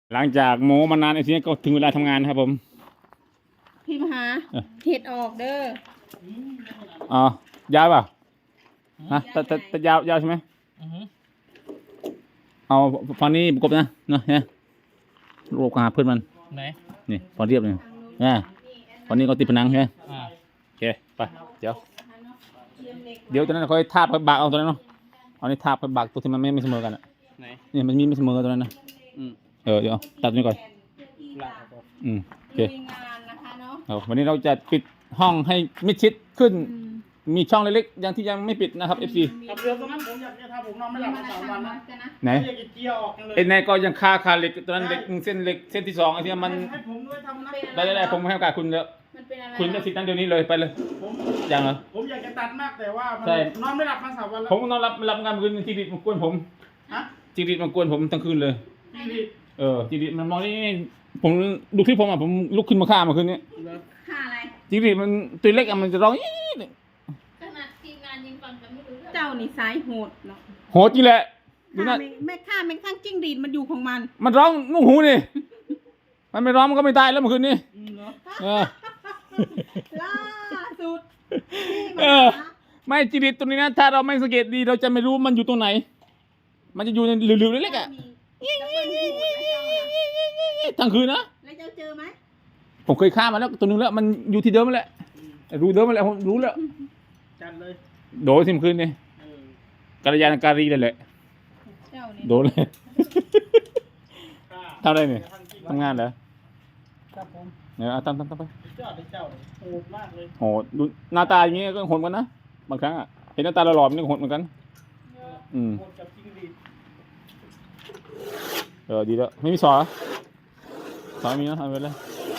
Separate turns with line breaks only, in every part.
หลังจากโมมานานไอ้ทีนี้ก็ถึงเวลาทำงานครับผม
พิมพ์หาเห็ดออกเด้อ
อ๋อยาวเปล่าฮะแต่ยาวใช่ไหมเอาพอนี้ประกบนะเนาะเนี่ยรูปหาเพื่อนมัน
ไหน
นี่พอเรียบเลยเนี่ยพอนี้ก็ติดผนังใช่ไหมโอเคไปเดี๋ยวตอนนั้นค่อยทาบค่อยบากเอาตัวนั้นเนาะเอานี่ทาบค่อยบากตัวที่มันไม่เสมอกันอ่ะนี่มันมีไม่เสมอตัวนั้นนะเดี๋ยวตัดตัวนี้ก่อนโอเควันนี้เราจะปิดห้องให้มิดชิดขึ้นมีช่องเล็กๆอย่างที่ยังไม่ปิดนะครับ FC
กับเรือตรงนั้นผมอยากจะทำผมนอนไม่หลับมา3 วันนะ
ไหน
อยากจะเจียออกเลย
ไอ้นายก็ยังคาเหล็กตัวนั้นเหล็กเส้นที่2ไอ้ที่มัน
ให้ผมด้วยทำนะ
ได้ผมให้โอกาสคุณแล้วคุณจะสิทธิ์นั้นเดี๋ยวนี้เลยไปเลยอย่างเหรอ
ผมอยากจะตัดมากแต่ว่านอนไม่หลับมา3 วันแล้ว
ผมนอนรับงานคืนจีดิตมันกวนผมจีดิตมันกวนผมทั้งคืนเลยจีดิตมันมองนี่ผมดูคลิปผมผมลุกขึ้นมาฆ่ามาคืนนี้
ฆ่าอะไร
จีดิตมันตัวเล็กมันจะร้อง
ขนาดทีมงานยังฟังกันไม่รู้เรื่อง
เจ้านี่สายโหดเนาะ
โหดจริงแหละดูนะ
แม่ข้าแม่ข้างจิ้งดีดมันอยู่ของ
มันร้องนุ่งหูนี่มันไม่ร้องมันก็ไม่ตายแล้วเมื่อคืนนี้
ล่าสุด
ไม่จีดิตตัวนี้นะถ้าเราไม่สังเกตดีเราจะไม่รู้มันอยู่ตรงไหนมันจะอยู่ในหลือๆเล็กๆอ่ะทั้งคืนนะ
แล้วเจ้าเจอไหม
ผมเคยฆ่ามันแล้วตัวนึงแล้วมันอยู่ที่เดิมนั่นแหละรู้เดิมนั่นแหละผมรู้แล้ว
จัดเลย
โดนสิมคืนนี่กัลยาณการีเลยแหละโดนเลยทำอะไรเนี่ยทำงานเหรอ
ครับผม
เนี่ยทำไป
เจ้าโหดมากเลย
โหดดูหน้าตาอย่างงี้ก็โหดกันนะบางครั้งอ่ะเห็นหน้าตาหล่อๆนี่ก็โหดเหมือนกัน
โหดกับจริงดี
ดีแล้วไม่มีสอมีนะเอาไปเลย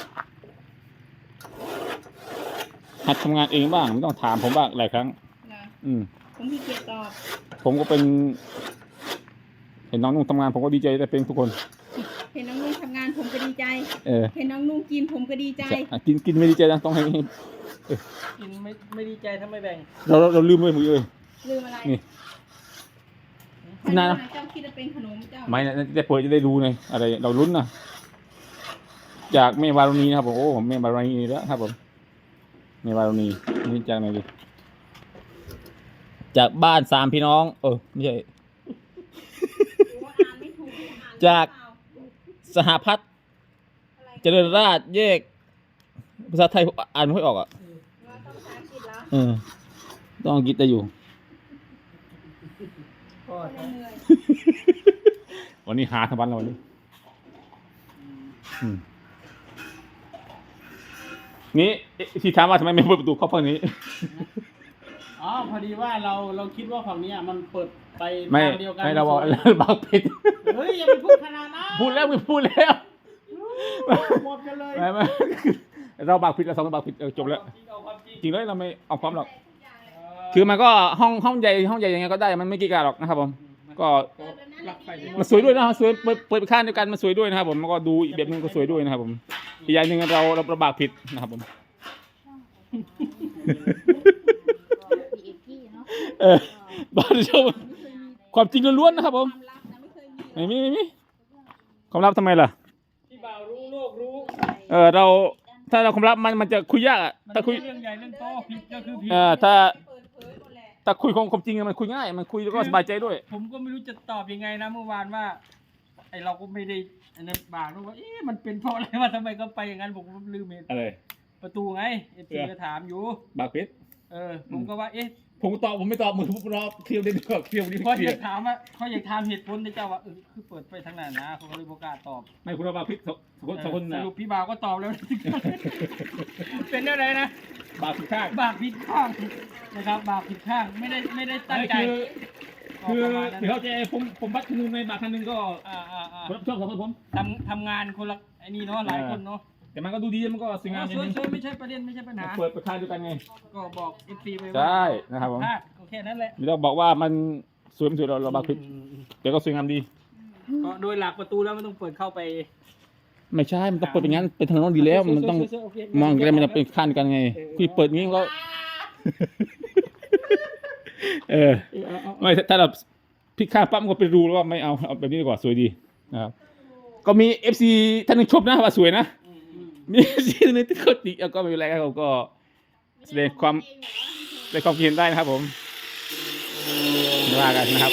หัดทำงานเองบ้างไม่ต้องถามผมบ้างหลายครั้ง
ผมขี้เกียจตอบ
ผมก็เป็นเห็นน้องนุ่งทำงานผมก็ดีใจแต่เป็นทุกคน
เห็นน้องนุ่งทำงานผมก็ดีใจเห็นน้องนุ่งกินผมก็ดีใจ
กินไม่ดีใจนะต้องให้
กินไม่ดีใจถ้าไม่แบ่ง
เราลืมเลยมือ
ลืมอะไร
นี่
นะเจ้าคิดจะเป็นขนมเจ้า
ไม่นะจะเปิดจะได้รู้ไงอะไรเราลุ้นนะจากเมวารุณีนะครับผมโอ้ผมเมวารุณีแล้วครับผมเมวารุณีนี่จากไหนดิจากบ้าน3 พี่น้องไม่ใช่จากสหพัฒน์เจริญราษฎร์แยกภาษาไทยอ่านไม่ค่อยออกอ่ะต้องอังกฤษได้อยู่วันนี้หาทั้งวันแล้ววันนี้นี่ที่ถามว่าทำไมไม่เปิดประตูเข้าฝั่งนี้
พอดีว่าเราคิดว่าฝั่งนี้มันเปิดไป
ทางเดียวกันไม่เราบอกบักผิด
เฮ้ยอย่าไปพูดขนาดนั้น
พูดแล้ว
หมดกันเลย
ไม่เราบักผิดเรา2 บักผิดจบแล้วจริงเลยเราไม่เอาความหรอกคือมันก็ห้องใหญ่ยังไงก็ได้มันไม่กี่การหรอกนะครับผมก็มันสวยด้วยนะสวยเปิดไปข้างเดียวกันมันสวยด้วยนะครับผมมันก็ดูอีกแบบนึงก็สวยด้วยนะครับผมอีกอย่างหนึ่งเราบักผิดนะครับผมบ้านชมความจริงล้วนๆนะครับผมไม่มีความลับทำไมล่ะ
ที่บ่าวรู้โลกรู้
เราถ้าเราความลับมันจะคุยยากอ่ะถ้าคุย
เรื่องใหญ่เรื่องโตผิดก็คือผิด
ถ้าคุยความจริงมันคุยง่ายมันคุยแล้วก็สบายใจด้วย
ผมก็ไม่รู้จะตอบยังไงนะเมื่อวานว่าไอเราก็ไม่ได้อันนั้นบ่าวรู้ว่ามันเป็นเพราะอะไรว่าทำไมก็ไปอย่างนั้นผมลืมเห็น
อะไร
ประตูไงFCก็ถามอยู่
บักผิด
ผมก็ว่า
ผมตอบผมไม่ตอบมือผมรอเคลียร์ดีกว่าเคลียร์ดี
เขาอยากถามว่าเขาอยากถามเหตุผลในเจ้าว่าคือเปิดไปทางนั้นนะเขาก็เลยบอกกล้าตอบ
ไม่คุณบักผิดสองคน
สรุปพี่บ่าวก็ตอบแล้วเป็นอะไรนะ
บากผิดข้าง
นะครับบากผิดข้างไม่ได้ตั้งใจ
คือเขาจะผมบัตรนึงในบากคันนึงก็ชอบของผม
ทำงานคนละไอ้นี่เนาะหลายคนเนาะ
แต่มันก็ดูดีมันก็สวยงาม
สวยไม่ใช่ประเด็นไม่ใช่ปัญหา
เปิดค่ายด้วยกันไง
ก็บอกFCไปว่า
ใช่นะครับผม
โอเคนั่นแหละ
ไม่ต้องบอกว่ามันสวยไม่สวยเราบักผิดแต่ก็สวยงามดี
ก็โดยหลักประตูแล้วไม่ต้องเปิดเข้าไป
ไม่ใช่มันต้องเปิดเป็นงั้นเป็นทางโน้นดีแล้วมันต้องมองกันมันจะเป็นขั้นกันไงคุยเปิดงี้ก็ไม่ถ้าเราพลิกข้างปั๊บก็เป็นรูแล้วว่าไม่เอาแบบนี้ดีกว่าสวยดีนะครับก็มี FC ท่านหนึงชมนะว่าสวยนะมี FC ท่านหนึงที่เขาติก็ไม่เป็นไรครับผมก็แสดงความคิดเห็นได้นะครับผมไม่ว่ากันนะครับ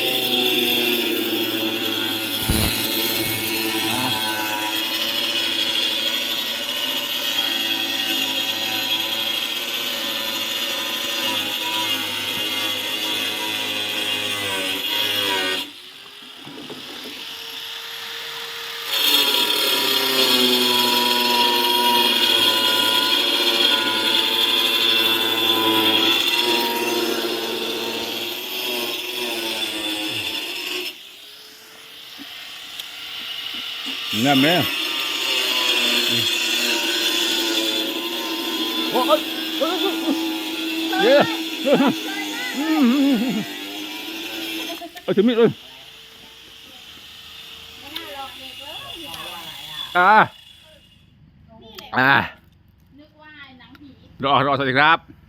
เงี้ยไหมโอ้ยเยอะถึงมิดเลย
ไม่น่าหลอกเด็กเลย
นึกว่าหนังผีรอสวัสดีครับ